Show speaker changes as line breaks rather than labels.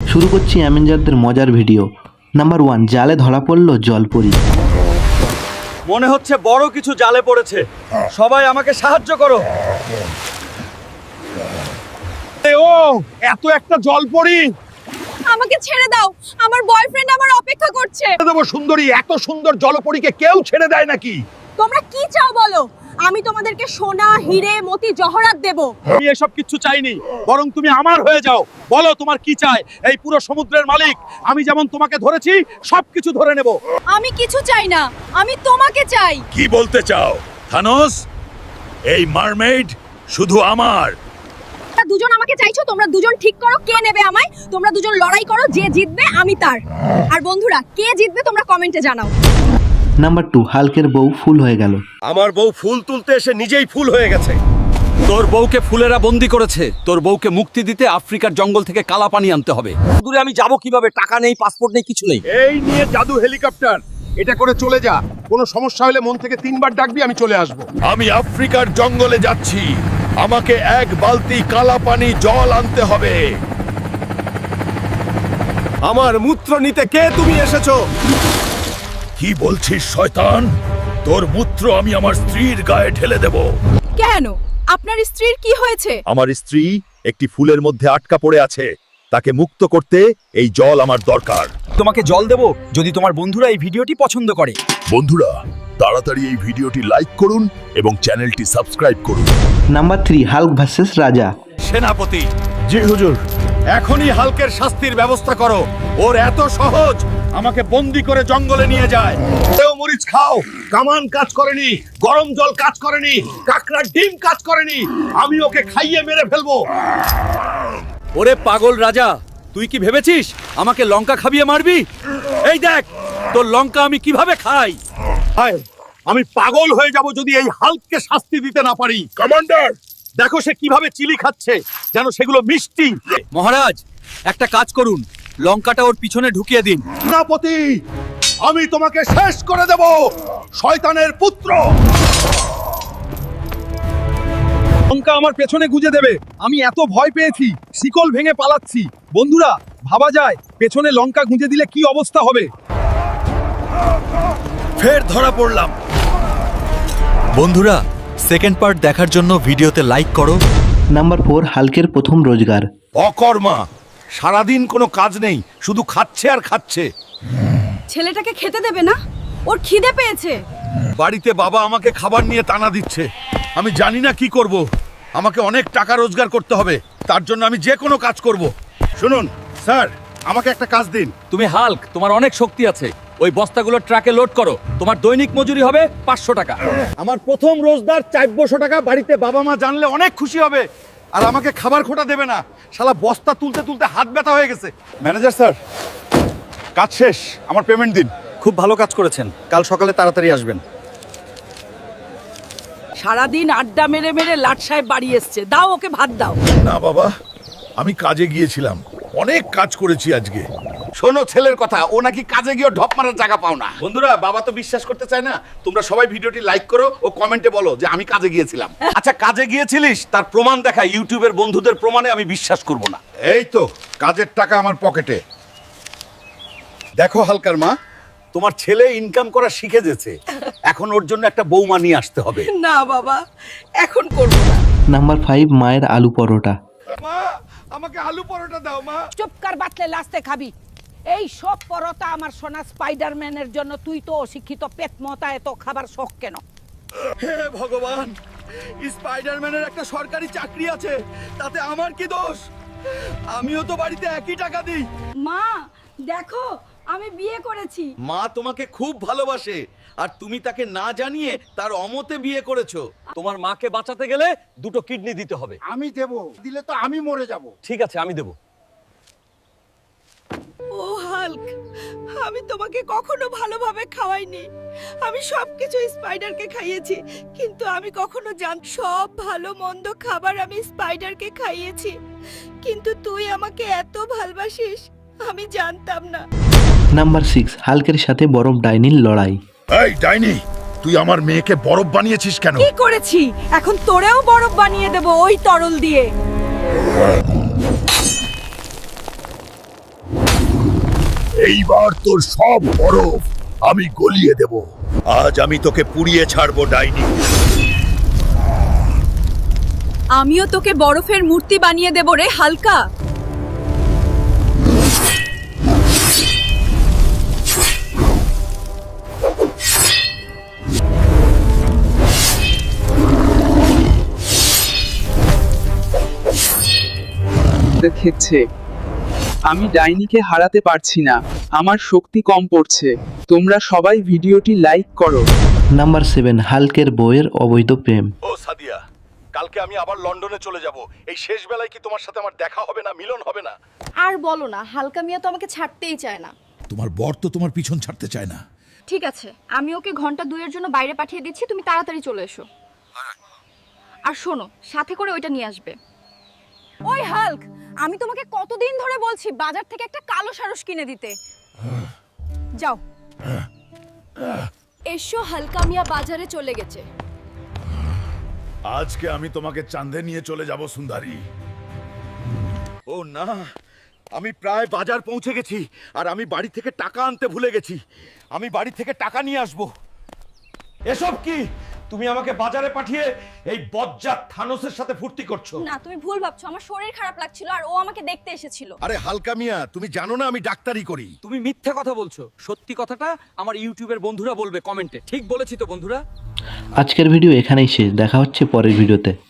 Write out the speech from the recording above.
শুরু করছি অ্যাভেঞ্জারদের মজার ভিডিও। নাম্বার 1, জালে ধরা পড়ল জলপরি।
মনে হচ্ছে বড় কিছু জালে পড়েছে, সবাই আমাকে সাহায্য করো।
ও এত একটা জলপরি!
আমাকে ছেড়ে দাও, আমার বয়ফ্রেন্ড আমার অপেক্ষা করছে।
দেবো সুন্দরী, এত সুন্দর জলপরীকে কেউ ছেড়ে দেয় নাকি?
তোমরা কি চাও বলো? আমি তোমাদেরকে সোনা, হিরে, মতি, জহরাত দেব।
আমি এসব কিচ্ছু চাইনি, বরং তুমি আমার হয়ে যাও। বলো তোমার কি চাই? এই পুরো সমুদ্রের মালিক আমি, যেমন তোমাকে ধরেছি সবকিছু ধরে নেব।
আমি কিছু চাই না, আমি তোমাকে চাই।
কি বলতে চাও থানোস? এই মারমেইড শুধু আমার।
তোমরা দুজন আমাকে চাইছো, তোমরা দুজন ঠিক করো কে নেবে আমায়। তোমরা দুজন লড়াই করো, যে জিতবে আমি তার। আর বন্ধুরা, কে জিতবে তোমরা কমেন্টে জানাও।
নাম্বার 2, হাল্কের বউ ফুল হয়ে গেল।
আমার বউ ফুল তুলতে এসে নিজেই ফুল হয়ে গেছে। তোর বউকে ফুলেরা বন্দি করেছে। তোর বউকে মুক্তি দিতে আফ্রিকার জঙ্গল থেকে কালা পানি আনতে হবে। দূরে আমি যাব কিভাবে? টাকা নেই, পাসপোর্ট নেই, কিছু নেই।
এই নিয়ে জাদু হেলিকপ্টার, এটা করে চলে যা। কোনো সমস্যা হলে মন থেকে 3বার ডাকবি, আমি চলে আসবো।
আমি আফ্রিকার জঙ্গলে যাচ্ছি, আমাকে 1 বালতি কালা পানি জল আনতে হবে।
আমার মূত্র নিতে কে তুমি এসেছো?
কি বলছিস শয়তান? তোর মূত্র আমি আমার স্ত্রীর গায়ে ঢেলে দেব।
কেন? আপনার স্ত্রীর কি হয়েছে?
আমার স্ত্রী একটি ফুলের মধ্যে আটকা পড়ে আছে, তাকে মুক্ত করতে এই জল আমার দরকার।
তোমাকে জল দেব যদি তোমার বন্ধুরা এই ভিডিওটি পছন্দ করে।
বন্ধুরা, তাড়াতাড়ি এই ভিডিওটি লাইক করুন এবং চ্যানেলটি সাবস্ক্রাইব করুন।
নাম্বার 3, হাল্ক ভার্সেস রাজা।
সেনাপতি,
জি হুজুর।
এখনই হাল্কের শাস্তির ব্যবস্থা করো। ওর এত সহজ আমাকে বন্দি করে জঙ্গলে নিয়ে যায়।
তেও মরিচ খাও, কামান কাজ করেনি, গরম জল কাজ করেনি, কাকড়ার ডিম কাজ করেনি। আমি ওকে খাইয়ে মেরে ফেলবো।
ওরে পাগল রাজা, তুই কি ভেবেছিস আমাকে লঙ্কা খাবিয়ে মারবি? এই দেখ তোর লঙ্কা আমি কিভাবে খাই।
হায়, আমি পাগল হয়ে যাব যদি এই হাল্ককে শাস্তি দিতে না পারি।
কমান্ডার,
দেখো সে কিভাবে চিলি খাচ্ছে, যেন সেগুলো মিষ্টি।
মহারাজ, একটা কাজ করুন, লঙ্কাটা ওর পিছনে ঢুকিয়ে দিন।
সেনাপতি, আমি তোমাকে শেষ করে দেব, শয়তানের পুত্র। লঙ্কা আমার পেছনে গুজে দেবে। আমি এত ভয় পেয়েছি, শিকল ভেঙে পালাচ্ছি। বন্ধুরা, ভাবা যায় পেছনে লঙ্কা গুঁজে দিলে কি অবস্থা হবে।
ফের ধরা পড়লাম।
বন্ধুরা, সেকেন্ড পার্ট দেখার জন্য ভিডিওতে লাইক করো।
নাম্বার 4, হাল্কের প্রথম রোজগার।
অকর্মা, সারাদিন কোনো কাজ নেই, শুধু খাচ্ছে আর খাচ্ছে।
ছেলেটাকে খেতে দেবে না? ওর খিদে পেয়েছে।
বাড়িতে বাবা আমাকে খাবার নিয়ে টানা দিচ্ছে, আমি জানি না কি করব। আমাকে অনেক টাকা রোজগার করতে হবে, তার জন্য আমি যে কোনো কাজ করব।
শুনুন স্যার, আমাকে একটা কাজ দিন।
তুমি হাল্ক, তোমার অনেক শক্তি আছে। ওই বস্তাগুলো ট্রাকে লোড করো। তোমার দৈনিক মজুরি হবে 500 টাকা।
আমার প্রথম রোজগার 400 টাকা। বাড়িতে বাবা মা জানলে অনেক খুশি হবে, আর আমাকে খাবার খোটা দেবে না। শালা বস্তা তুলতে তুলতে হাত ব্যথা হয়ে গেছে। ম্যানেজার স্যার, কাজ শেষ, আমার পেমেন্ট দিন।
খুব ভালো কাজ করেছেন, কাল সকালে তাড়াতাড়ি আসবেন।
সারাদিন আড্ডা মেরে মেরে লাট সাহেব বাড়ি এসছে, দাও ওকে ভাত দাও।
না বাবা, আমি কাজে গিয়েছিলাম, অনেক কাজ করেছি আজকে।
শোনো ছেলের কথা, ও নাকি কাজে গিয়ে ঢপ মারার জায়গা পাও না। বন্ধুরা, বাবা তো বিশ্বাস করতে চায় না। তোমরা সবাই ভিডিওটি লাইক করো ও কমেন্টে বলো যে আমি কাজে গিয়েছিলাম।
আচ্ছা, কাজে গিয়েছিলিস তার প্রমাণ দেখা। ইউটিউবের বন্ধুদের প্রমাণে আমি বিশ্বাস করব না।
এই তো কাজের টাকা আমার পকেটে। দেখো হালকার মা,
তোমার ছেলে ইনকাম করা শিখে গেছে, এখন ওর জন্য একটা বৌমা নিয়ে আসতে হবে।
না বাবা, এখন করবো না।
নাম্বার 5, মায়ের আলু পরোটা।
মা আমাকে আলু পরোটা দাও মা।
চুপ কর, বাতলে লাস্তে খাবি। এই সব পরোটা আমার সোনা স্পাইডারম্যানের জন্য। তুই তো অশিক্ষিত পেট মতা, এত খাবার শখ কেন?
হে ভগবান, স্পাইডারম্যানের একটা সরকারি চাকরি আছে, তাতে আমার কি দোষ? আমিও তো বাড়িতে একই টাকা দিই।
মা দেখো, আমি বিয়ে করেছি।
মা তোমাকে খুব ভালোবাসে, আর তুমি তাকে না জানিয়ে তার অমতে বিয়ে করেছো। তোমার মাকে বাঁচাতে গেলে 2টো কিডনি দিতে হবে।
আমি দেব, দিলে তো আমি মরে যাব।
ঠিক আছে, আমি দেব।
ও হাল্ক, আমি তোমাকে কখনো ভালোভাবে খাওয়াইনি। আমি সবকিছু স্পাইডারকে খাইয়েছি, কিন্তু আমি কখনো সব ভালো মন্দ খাবার আমি স্পাইডারকে খাইয়েছি, কিন্তু তুই আমাকে এত ভালোবাসিস আমি জানতাম না।
নাম্বার 6, হাল্কের সাথে বরফ ডাইনির লড়াই।
এই ডাইনি, তুই আমার মেয়েকে বরফ বানিয়েছিস কেন?
কি করেছি? এখন তোরেও বরফ বানিয়ে দেব ওই তরল দিয়ে।
এইবার তোর সব বরফ আমি গলিয়ে দেব। আজ আমি তোকে পুড়িয়ে ছাড়বো ডাইনি।
আমিও তোকে বরফের মূর্তি বানিয়ে দেব রে হালকা।
দেখেছে আমি ডাইনিকে হারাতে পারছি না, আমার শক্তি কম পড়ছে। তোমরা সবাই ভিডিওটি লাইক করো।
নাম্বার 7 হাল্কের বউয়ের অবৈধ প্রেম।
ও সাদিয়া, কালকে আমি আবার লন্ডনে চলে যাব। এই শেষ বেলায় কি তোমার সাথে আমার দেখা হবে না, মিলন হবে না?
আর বলো না, হালকা মিয়া তো আমাকে ছাড়তেই চায় না।
তোমার বর তো তোমার পিছন ছাড়তে চায় না।
ঠিক আছে, আমি ওকে ঘন্টা 2 জন্য বাইরে পাঠিয়ে দিচ্ছি, তুমি তাড়াতাড়ি চলে এসো। আর শোনো, সাথে করে ওইটা নিয়ে আসবে। ওই হাল্ক, আমি তোমাকে কতদিন ধরে বলছি বাজার থেকে একটা কালো সারস কিনে দিতে। যাও। এসো, হালকা মিয়া বাজারে চলে গেছে।
আজকে আমি তোমাকে চাঁদে নিয়ে চলে যাব সুন্দরী।
ও না, আমি প্রায় বাজার পৌঁছে গেছি আর আমি বাড়ি থেকে টাকা আনতে ভুলে গেছি। আমি বাড়ি থেকে টাকা নিয়ে আসব। এসব কি? তুমি আমাকে বাজারে পাঠিয়ে এই বজ্জাত থানোসের সাথে ফুর্তি করছো?
না, তুমি ভুল ভাবছো। আমার শরীর খারাপ লাগছিল আর ও আমাকে দেখতে এসেছিল।
আরে হালকা মিয়া, তুমি জানো না আমি ডাক্তারি করি।
তুমি মিথ্যা কথা বলছো। সত্যি কথাটা আমার ইউটিউবের বন্ধুরা বলবে কমেন্টে। ঠিক বলেছি তো বন্ধুরা?
আজকের ভিডিও এখানেই শেষ, দেখা হচ্ছে পরের ভিডিওতে।